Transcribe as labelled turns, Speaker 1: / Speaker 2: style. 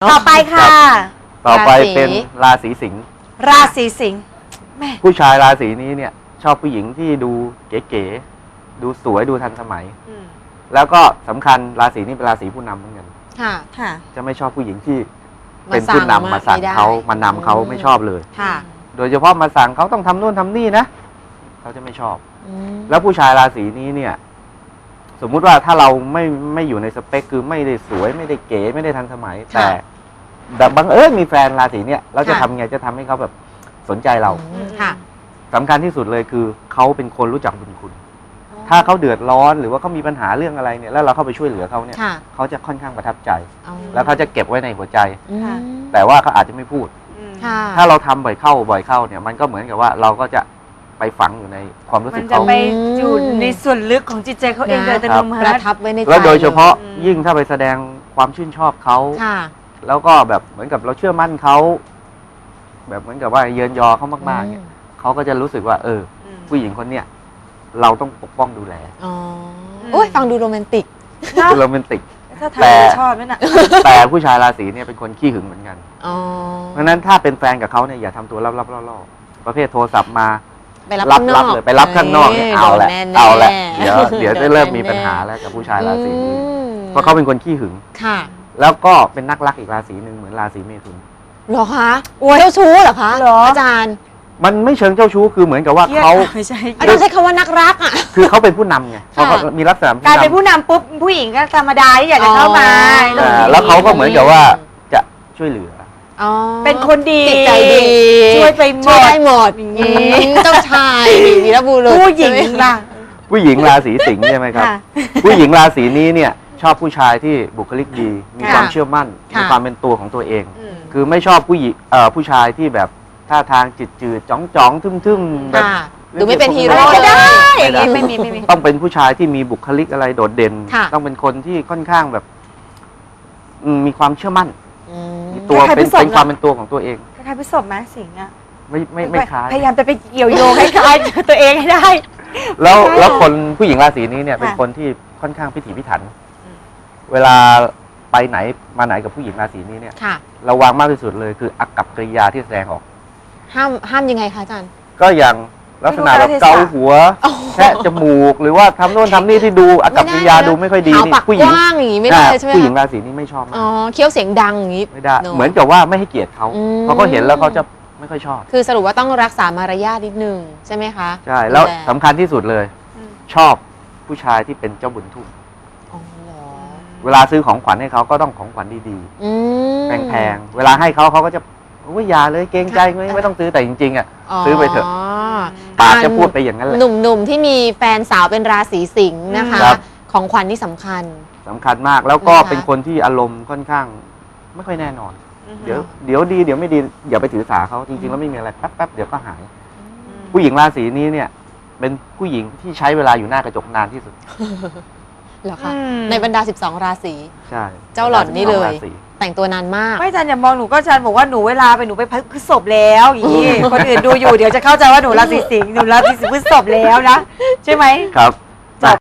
Speaker 1: ต่อไปค่ะ
Speaker 2: ต่อไปเป็นราศีสิงห์
Speaker 1: ราศีสิงห์แม่
Speaker 2: ผู้ชายราศีนี้เนี่ยชอบผู้หญิงที่ดูเก๋ๆดูสวยดูทันสมัย แล้วก็สำคัญราศีนี้เป็นราศีผู้นำเหมือนกัน
Speaker 1: ค่ะ
Speaker 2: จะไม่ชอบผู้หญิงที่เป็นผู้นำมาสั่งเขามานำเขาไม่ชอบเลย
Speaker 1: ค่ะ
Speaker 2: โดยเฉพาะมาสั่งเขาต้องทำนู่นทำนี่นะเขาจะไม่ชอบ แล้วผู้ชายราศีนี้เนี่ย สมมุติว่าถ้าเราไม่อยู่ในสเปคคือไม่ได้สวยไม่ได้เก๋ไม่ได้ทันสมัย แต่บังเอิญมีแฟนราศีเนี่ยเราจะทำไงจะทำให้เขาแบบสนใจเรา
Speaker 1: ค่ะ
Speaker 2: สำคัญที่สุดเลยคือเขาเป็นคนรู้จักบุญคุณ ถ้าเขาเดือดร้อนหรือว่าเขามีปัญหาเรื่องอะไรเนี่ยแล้วเราเข้าไปช่วยเหลือเขาเนี่ยเขาจะค่อนข้างประทับใจ แล้วเขาจะเก็บไว้ในหัวใจ แต่ว่าเขาอาจจะไม่พูด ถ้าเราทำบ่อยเข้าเนี่ยมันก็เหมือนกับว่าเราก็จะไปฝังอยู่ในความรู้
Speaker 1: มั
Speaker 2: สึ
Speaker 1: น
Speaker 2: ก
Speaker 1: จะ
Speaker 2: เขา
Speaker 1: ไปอยู่ในส่วนลึกของจิตใจเขาเองโดยอัตโนมั
Speaker 3: ประ
Speaker 1: ติ
Speaker 3: ทับไว้ในใจ
Speaker 2: แล้วโดยเฉพาะยิ่งถ้าไปแสดงความชื่นชอบเขา
Speaker 3: ค่ะ
Speaker 2: แล้วก็แบบเหมือนกับเราเชื่อมั่นเขาแบบเหมือนกับว่าเยินยอเขามากๆเนี่ยเขาก็จะรู้สึกว่าผู้หญิงคนเนี้ยเราต้องปกป้องดูแล
Speaker 3: อ๋อโอ้ยฟังดูโรแมนติก
Speaker 2: คือโรแมนติก
Speaker 1: ถ้าทำชอบนั่นน่ะ
Speaker 2: แต่ผู้ชายราศีเนี่ยเป็นคนขี้หึงเหมือนกัน
Speaker 3: อ๋อ
Speaker 2: เพราะฉะนั้นถ้าเป็นแฟนกับเขาเนี่ยอย่าทำตัวลับๆล่อๆประเภทโทรศัพท์มา
Speaker 3: ไปรับข้างนอก
Speaker 2: เลยไปรับข้างนอกเนี่ยเอาแหละ
Speaker 3: โดนแน่ๆ
Speaker 2: เอาแหละเดี๋ยว
Speaker 3: โดน
Speaker 2: จะเริ่มมี
Speaker 3: แน่ๆ
Speaker 2: ปัญหาแล้วกับผู้ชายราศีนี้
Speaker 3: อืม
Speaker 2: เพราะเขาเป็นคนขี้หึง
Speaker 3: ค่ะ
Speaker 2: แล้วก็เป็นนักรักอีกราศีหนึ่งเหมือนราศีเมถุน
Speaker 3: เหรอคะเจ้าชู้เหรอคะ
Speaker 1: เหรอ
Speaker 3: อาจารย์
Speaker 2: มันไม่เชิงเจ้าชู้คือเหมือนกับว่าเขา
Speaker 1: ไม่ใช่
Speaker 3: อาจารย์ใช้คำว่านักรักอ่ะ
Speaker 2: คือเขาเป็นผู้นำไงเขาก็มีลักษณะ
Speaker 1: กลายเป็นผู้นำปุ๊บผู้หญิงก็ธรรมดาที่อยากจะเข้ามา
Speaker 3: อ๋อ
Speaker 2: แล้วเขาก็เหมือนกับว่าจะช่วยเหลือ
Speaker 3: อ๋อ
Speaker 1: เป็นคนดี
Speaker 3: จิตใจดี
Speaker 1: ช่วยไปหม
Speaker 3: ช่วย
Speaker 1: ด
Speaker 3: ได้หมดอย่างนี้เจ้าชายวีรบุรุษ
Speaker 1: ผู้หญิงล่ะ
Speaker 2: ผู้หญิงราศีสิงห์ใช่ไหมครับ
Speaker 1: ค่ะ
Speaker 2: ผู้หญิงราศีนี้เนี่ยชอบผู้ชายที่บุคลิกดี มี
Speaker 1: ค่ะ
Speaker 2: ความเชื่อมั่น
Speaker 3: ค่ะ
Speaker 2: มีความเป็นตัวของตัวเอง คือไม่ชอบผู้หญิงผู้ชายที่แบบท่าทางจืดๆจ้องๆทึ่มๆแบบ
Speaker 3: ค่ะดูไม่เป็นฮีโร่
Speaker 1: ไม่ได้
Speaker 2: ไม่ได้
Speaker 1: ไม่มี
Speaker 2: ต้องเป็นผู้ชายที่มีบุคลิกอะไรโดดเด่น
Speaker 3: ค่ะ
Speaker 2: ต้องเป็นคนที่ค่อนข้างแบบมีความเชื่อมั่น
Speaker 3: อืม
Speaker 2: มีตัว
Speaker 1: คล้ายๆ
Speaker 2: เป็น
Speaker 1: พฤษภ
Speaker 2: เป็นความเป็นตัวของตัวเอง
Speaker 1: คล้ายๆพิศพไหมสิงห์อ่ะ
Speaker 2: ไม่คล้าย
Speaker 1: พยายามจะไปเกี่ยวโยงให้คล้ายๆตัวเองให้ได้
Speaker 2: แล้วคนผู้หญิงราศีนี้เนี่ย
Speaker 1: ค่ะ
Speaker 2: เป็นคนที่ค่อนข้างพิถีพิถัน เวลาไปไหนมาไหนกับผู้หญิงราศีนี้เนี่ย
Speaker 3: ค่ะ
Speaker 2: ระวังมากที่สุดเลยคืออากับกริยาที่แสดงออก
Speaker 3: ห้ามยังไงคะอาจารย์
Speaker 2: ก็อย่างลักษณะแบบเกาหัวแคะจมูกหรือว่าทำโน่นทำนี่ที่ดูอากับกริยาดูไม่ค่อยดี
Speaker 3: หา
Speaker 2: นี่
Speaker 3: ปาก
Speaker 2: ผู้ห
Speaker 3: ก
Speaker 2: ญิง
Speaker 3: ว้างอย่างนี้ไม่ได้ใช่ไหม
Speaker 2: ผู้หญิง
Speaker 3: คะ
Speaker 2: ราศีนี้ไม่ชอบมา
Speaker 3: อ๋อก เคี้ยวเสียงดังอย่างนี้
Speaker 2: ไม่ได้
Speaker 3: โ
Speaker 2: เหมือนกับว่าไม่ให้เกียรติเขา
Speaker 3: อืม
Speaker 2: เพราะเขาเห็นแล้วเขาจะไม่ค่อยชอบ
Speaker 3: คือสรุปว่าต้องรักษามารยาทนิดนึงใช่ไหมคะ
Speaker 2: ใช่แล้ว
Speaker 3: ดู
Speaker 2: สำคัญที่สุดเลย ชอบผู้ชายที่เป็นเจ้าบุญทุ่ม
Speaker 3: อ๋อเหรอ
Speaker 2: เวลาซื้อของขวัญให้เขาก็ต้องของขวัญดี
Speaker 3: อืม
Speaker 2: ๆแพงๆเวลาให้เขาก็จะโอ้ยอย่าเลยเกรงใจไม่ต้องซื้อแต่จริงๆอ่ะซื้อไปเถอะปากจะพูดไปอย่างนั้นแหละ
Speaker 3: หนุ่มๆที่มีแฟนสาวเป็นราศีสิงห์นะคะ
Speaker 2: ครับ
Speaker 3: ของขวัญที่สำคัญ
Speaker 2: สำคัญมากแล้วก็
Speaker 3: นะคะ
Speaker 2: เป็นคนที่อารมณ์ค่อนข้างไม่ค่อยแน่นอน เดี๋ยวดีเดี๋ยวไม่ดีอย่าไปถือสาเขาจริงๆแล้วไม่มีอะไรแป๊บๆเดี๋ยวก็หาย ผู้หญิงราศีนี้เนี่ย เป็นผู้หญิงที่ใช้เวลาอยู่หน้ากระจกนานที่สุด
Speaker 3: เหรอคะในบรรดา 12 ราศี
Speaker 2: ใช่
Speaker 3: เจ้าหล่อนนี่เลย
Speaker 2: ราศี
Speaker 3: แต่งตัวนานมาก
Speaker 1: ไม่อาจารย์อย่ามองหนูก็อาจารย์บอกว่าหนูเวลาไปหนูไปพฤษภแล้วอย่างนี้ คนอื่นดูอยู่เดี๋ยวจะเข้าใจว่าหนูราศีสิงห์หนูราศีพฤษภแล้วนะใช่ไหม
Speaker 2: ครับ